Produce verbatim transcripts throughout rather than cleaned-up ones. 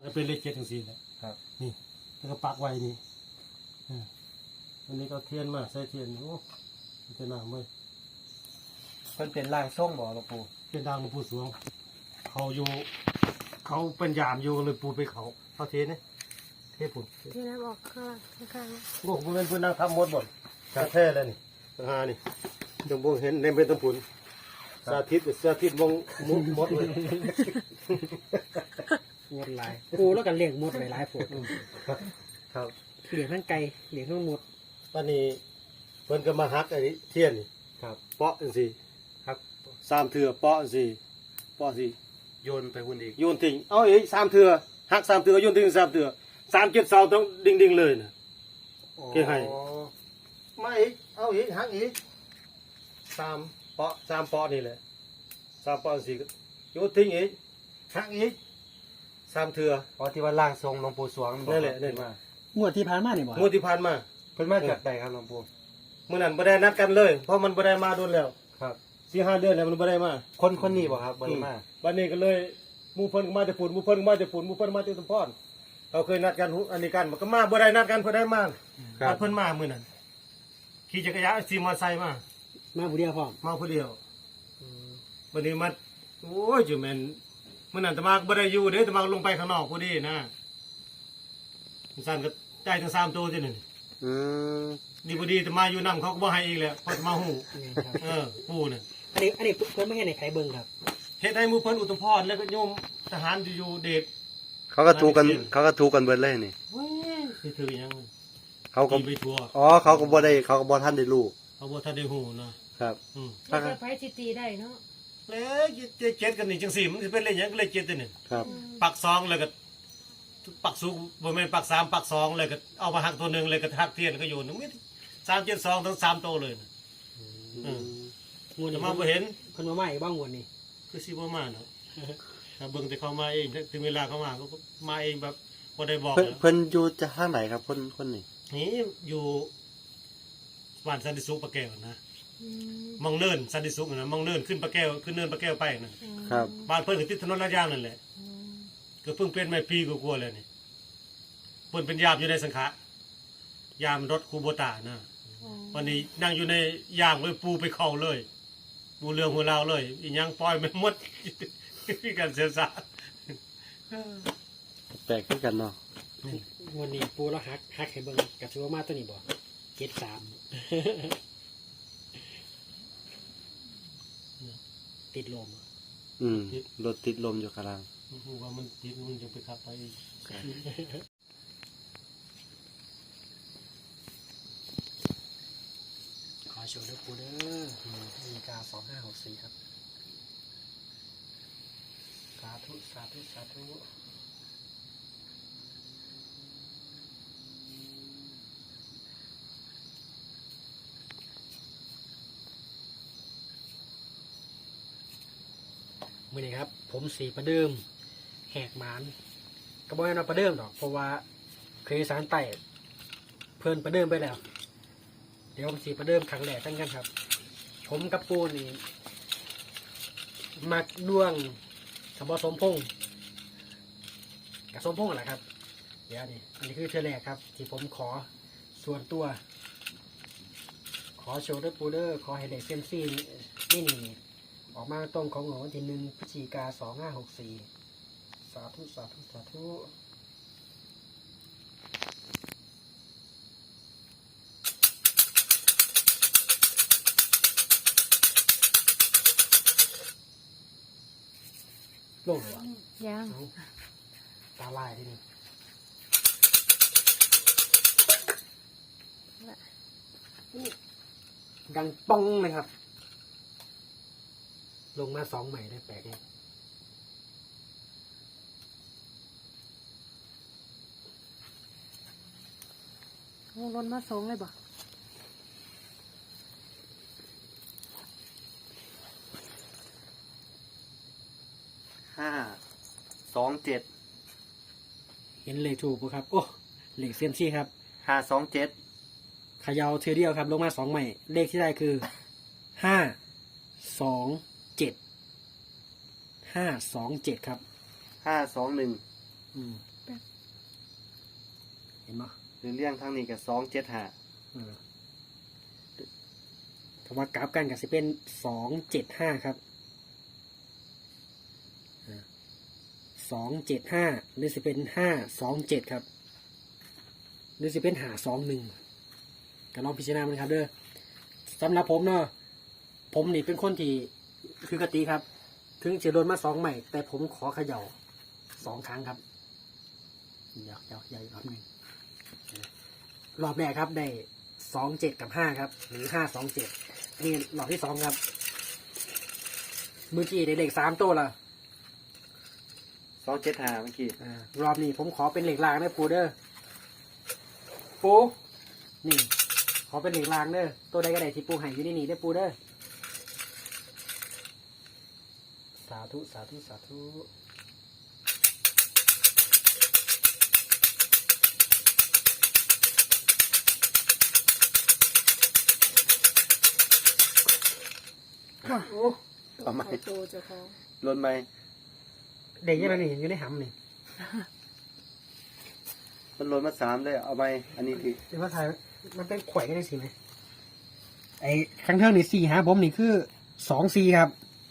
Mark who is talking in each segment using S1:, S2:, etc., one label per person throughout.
S1: เป็นเลขเจ็ดถึงสี่แหละครับนี่แล้วก็ปักไว้นี่อันนี้ก็เทียนมาใส่เทียนโอ้เทียนหนาเมื่อ
S2: เพิ่นเป็นร่างทรงบ่หลวงปู่
S1: เป็นดางหลวงปู่สวงเขาอยู่เขาเป็นยามอยู่เลยปูไปเขาเขาเทนี่เทผุน
S3: เทน้ำออกข้างข้าง
S1: โอ้โหเป็นเพื่อนนั่งทำมดบ่นกระแท้เลยนี่ทหานี่ตรงบงเห็นในเป็นตะผุนสาธิตสาธิตมองมุดมดเลย
S2: หมดหลายปูแล้วกันเลี้ยงหมดหลายหลายผล
S1: ครับ
S2: เลี้ยงทั้งไก่เลี้ยงทั้งหมด
S1: วันนี้เพิ่นก็มาฮักไอ้เทียนนี่
S2: ครับ
S1: เปาะจังซี่ครับสามเถื่อเปาะจังซี่เปาะสิ
S2: โยนไปหุ่นอีก
S1: โยนทิ้งเอาอีกสามเถื่อฮักสามเถื่อโยนทิ้งสามเถื่อสามเจ็ดเสาต้องดิ่งดิ่งเลยนะเกี่ยให้มาอีกเอาอีกฮักอีกสามเปาะสามเปาะนี่แหละสามเปาะสี่โยนทิ้งอีกฮักอีกสามเถื่อ
S2: เพราะที่ว่าร่างทรงหลวงปู่สวง
S1: นั่นแหละนั่นม
S2: างวดที่ผ่านมานี่บ่
S1: งวดที่ผ่านมา
S2: เพิ่นมาจากใดครับหลวงปู่
S1: เมื่อนั้นบ่ได้นัดกันเลยเพราะมันบ่ได้มาโดนแล้ว
S2: ครับ
S1: สี่ห้าเดือนแล้วมันบ่ได้มา
S2: คนคนนี้บ่ครับบ่ได้มา
S1: บัดนี้ก็เลยหมู่เพิ่นก็มาแต่ฝุ่นหมู่เพิ่นก็มาแต่ฝุ่นหมู่เพิ่นมาแต่ตุ่มพรเราเคยนัดกันอันนี้กันมันก็มาบ่ได้นัดกันเพิ่นได้มานัดเพิ่นมามื้อนั้นขี่จักรยานขี่มอเตอร์ไซค์มา
S2: มาผู้เดียวพร้อม
S1: มาผู้เดียวบัดนี้มาโอ้ยจุแม่นมื้อนั้นตะมาบ่ได้อยู่เด้ตะมาลงไปข้างนอกผู้ดีนะสั่นก็ใจทั้งสามตัวจังนี่
S2: อืม
S1: นี่พอดีตะมาอยู่นำเขาก็บ่ให้อีกแล้วพอตะมาฮู้เออปู่น่ะ
S2: อันนี้อันนี้เพิ่นไม่ให้ในใครเบิ่งครับ
S1: เฮ็ดให้หมู่เพิ่นอุตมพรแล้วก็โยมทหารอยู่เด็ก
S4: เขาก็ถูกกันเขาก็ถูกกันเบิดเลยนี่
S1: เว้ยสิถือหยัง
S4: เขาก็
S1: ไปทัว
S4: อ๋อเขาก็บ่ได้เขาก็บ่ทันได้รู้
S1: เขาบ่ทันได้ฮู้นะครับอืม
S3: ถ้าจะไปสิตีได้เนาะ
S1: แล้วเจ็ดกันนี่จังสี่มันสิเป็นเลขหยังก็เลขเจ็ดตัวนี่
S4: ครับ
S1: ปักสองแล้วก็ปักสูงบ่แม่นปักสามปักสองเลยก็เอามาหักตัวนึงเลยก็หักเทียนก็โยนนึงสามเจ็ดสองทั้งสามตัวเลยอืมงูจะมาบ่เห็น
S2: เพิ่นมาใหม่บ้างงวดนี้
S1: คือสิบ่มาเนาะถ้าเบิ่งแต่เขามาเองถึงเวลาเขามาเขามาเองแบบบ่ได้บอก
S4: เพิ่นอยู่จะทางไหนครับคนคนนี้
S1: นี่อยู่บ้านสันติสุขปะแก้วนะมองเนินสันติสุขนะมองเนินขึ้นปะแก้วขึ้นเนินปะแก้วไปนะครับบ้านเพิ่นก็ติดถนนลาดยางนั่นแหละก็เพิ่งเป็นไม่ปีกว่าๆเลยนี่เพิ่นเป็นยามอยู่ในสังขะยามรถคูโบตานะวันนี้นั่งอยู่ในย่างเลยปูไปเข้าเลยปูเรื่องหัวเราเลยอีหยังปล่อยไม่หมดมีการเสียสละ
S4: แปลกคือกันเนาะ
S2: วันนี้ปูแล้วฮักฮักให้เบิ่งกับชัวมาตัวนี้บ่เจ็ดสามติดลม
S4: อืมรถติดลมอยู่ข้างล่าง
S1: ว่ามันติดมันจะไปขับไป
S2: ขอโชว์ด้วยปูเด้อมีกาสองห้าหกสี่ครับสาธุสาธุสาธุมื่อนี้ครับผมสีประเดิมแหกหมานกระบอกให้เราประเดิมหรอกเพราะว่าเคยสารไต่เพื่อนประเดิมไปแล้วเดี๋ยวผมสีประเดิมครั้งแรกตั้งกันครับผมกับปูนี่มักด้วงสมบสมพงษ์กับสมพงษ์แหละครับเดี๋ยวนี่อันนี้คือเทแรกครับที่ผมขอส่วนตัว ขอโชว์ด้วยปูเดอร์ขอให้เด็กเซมซี่นี่นี่ออกมาตรงของวันที่หนึ่งพฤศจิกาสองห้าหกสี่สาธุสาธุสาธุลงหรอ
S3: ยัง
S2: ตาลายทีนี้ดังป้องเลยครับลงมาสองใหม่ได้แปลกเนี่ย
S3: โอ้ล้นมาสองเลยบ่
S4: ห้าสองเจ็ด
S2: เห็นเลขถูกป่ะครับโอ้เลขเซียมซี่ครับ
S4: ห้าสองเจ็ด
S2: ขยาวเทเดียวครับลงมาสองใหม่เลขที่ได้คือห้าสองเจ็ดห้าสองเจ็ดครับ
S4: ห้าสองหนึ่ง
S2: เห็นไหม
S4: หรือเลี่ยงทางนี้กับสองเจ็ดห้า
S2: เออถ้าว่ากราฟกันก็จะเป็นสองเจ็ดห้าครับสองเจ็ดห้าหรือจะเป็นห้าสองเจ็ดครับหรือจะเป็นหาสองหนึ่งก็ลองพิจารณามันครับเด้อสำหรับผมเนาะผมนี่เป็นคนที่คือกติครับ ถึงจะโดนมาสองใหม่ แต่ผมขอเขย่าสองครั้งครับเดี๋ยวเดี๋ยวเดี๋ยวอีกรอบหนึ่งรอบแรกครับได้สองเจ็ดกับห้าครับ หรือห้าสองเจ็ดนี่รอบที่สองครับเมื่อกี้ได้เลขสามตัวละ
S4: สองเจ็ดห้าเมื่อกี้
S2: อ่ารอบนี้ผมขอเป็นเหล็กรางนะปูเด้อปูนี่ ขอเป็นเหล็กรางเด้อตัวใดก็ได้ที่ปูให้อยู่ในนี่ได้อปูเด้อสาธุสาธุสาธุ
S4: โอ้ต่อมา
S3: เอาโตเจ้าของ
S4: ลนไหม
S2: เด็กยังไงนี่อยู่ในหำนี่
S4: มันลนมาสามเลยเอาไหมอันนี้ที่
S2: เป็นภาษามันเป็นข่อยกันได้สิไหมไอ้ข้างเทิงนี่สี่หาผมนี่คือสองสี่ครับ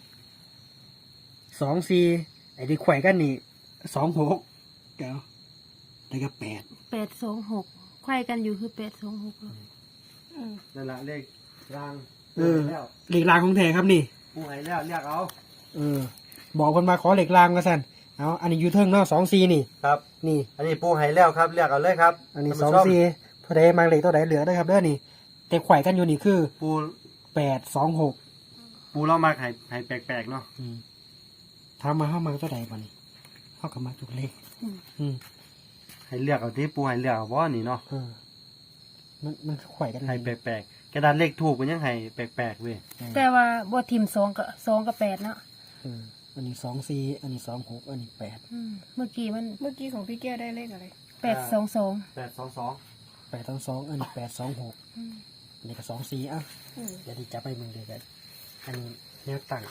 S2: สองสี่ไอ้ที่ข่อยกันนี่สองหกเดี๋ยวแล้วก็แปด
S3: แปดสองหกไขว้กันอยู่คือแปดสองหก
S4: นั่นแหละเลขราง
S2: เออ
S4: แล้ว
S2: เหล็กรางของแท้ครับนี่
S4: ปูให้แล้วเรียกเอา
S2: เออ บอกคนมาขอเหล็กรางก็สั่นเอาอันนี้อยูเทิงเนาะสองสี่นี่
S4: ครับ
S2: นี่
S4: อันนี้ปูให้แล้วครับเรียกเอาเลยครับ
S2: อันนี้ส
S4: ท่า
S2: อง
S4: ผู้ชม
S2: สี่พอได้มาเหล็กตัวไหนเหลือได้ครับเด้อนี่ แต่ข่อยกันอยู่นี่คือ
S4: ปู
S2: แปดสองหก
S4: ปูเรามาให้ให้แปลกๆเนาะ
S2: ทำมาเข้ามาตัวไหนบ้านี่เข้ากับมาจุกเลขอืม
S4: ให้เลือกเอาที่ปูให้เลือกเอาว่านี่เนาะ
S2: เออมันมันข่อยกัน
S4: ให้แปลกๆกระดานเลขถูกมันยังให้แปลกๆเว้ย
S3: แต่ว่าบ่ทิมสองกับสองกับแปดเนาะ
S2: เอออันนี้สองสี่อันนี้สองหกอันนี้แปด
S3: อืมเมื่อกี้มัน
S5: เมื่อกี้ของพี่แก้วได้เลขอะไร
S3: แปดสองสอง
S4: แปดสองสอง
S2: แปดทั้งสองอันนี้แปดสองหกอันนี้ก็สองสี่อ่ะ
S5: อืม
S2: เดี๋ยวดีจับไปมึงเดี๋ยวกันอันนี้แนวตั้ง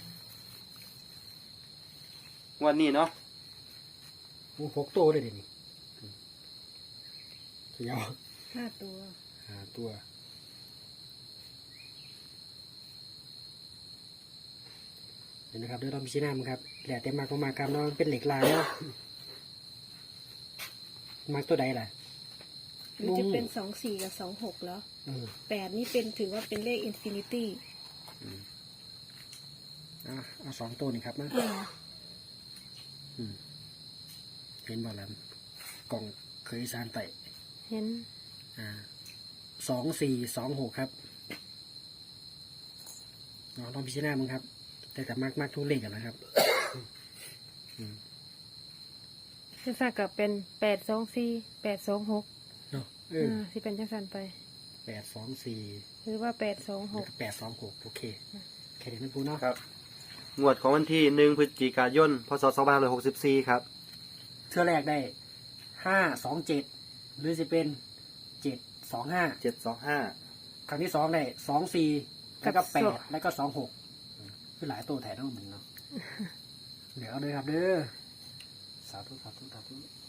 S4: วันนี้เนาะ
S2: มูหกตัวเลยเดี๋ยวนี้เขียว
S5: ห้าตัว
S2: หาตัวเห็นนะครับเดี๋ยวเราพิจารณามันครับแหละแต่มากก็มากครับเนาะมันเป็นเหล็กลายเนาะมากตัวใดล่ะ
S5: หรือจะเป็นสองสี่กับสองหกแล้ว
S2: เออ
S5: แปดนี่เป็นถือว่าเป็นเลขอินฟินิตี้
S2: เอาเอาสองตัวนี่ครับนะอืมเห็นบ่ล่ะกล่องเคยสารไต่
S3: เห็น
S2: อ่าสองสี่สองหกครับเราลองพิจารณามึงครับ แต่แต่มากมากทุกเลขกันนะครับ
S3: จังสันกับเป็นแปดสองสี่แปดสองหก
S2: เนาะเออ
S3: อ่าสิเป็นจังสันไป
S2: แปดสองสี่
S3: หรือว่าแปดสองห
S2: แล้ว
S3: ก
S2: ก็แปดสองหกโอเคแค่นี้มันพูดเนาะ
S4: ครับงวดของวันที่หนึ่งพฤศจิกายนพศสองพันห้าร้อยหกสิบสี่ครับ
S2: เทื่อแรกได้ห้าสองเจ็ดหรือจะเป็นเจ็ดสองห้า
S4: เจ็ดสองห้า
S2: ครั้งที่สองได้สองสี่แล้วก็แปดแล้วก็สองหกคือหลายตัวแถมทั้งหมดเนาะเดี๋ยวเอาเลยครับเด้อสาธุสาธุสาธุ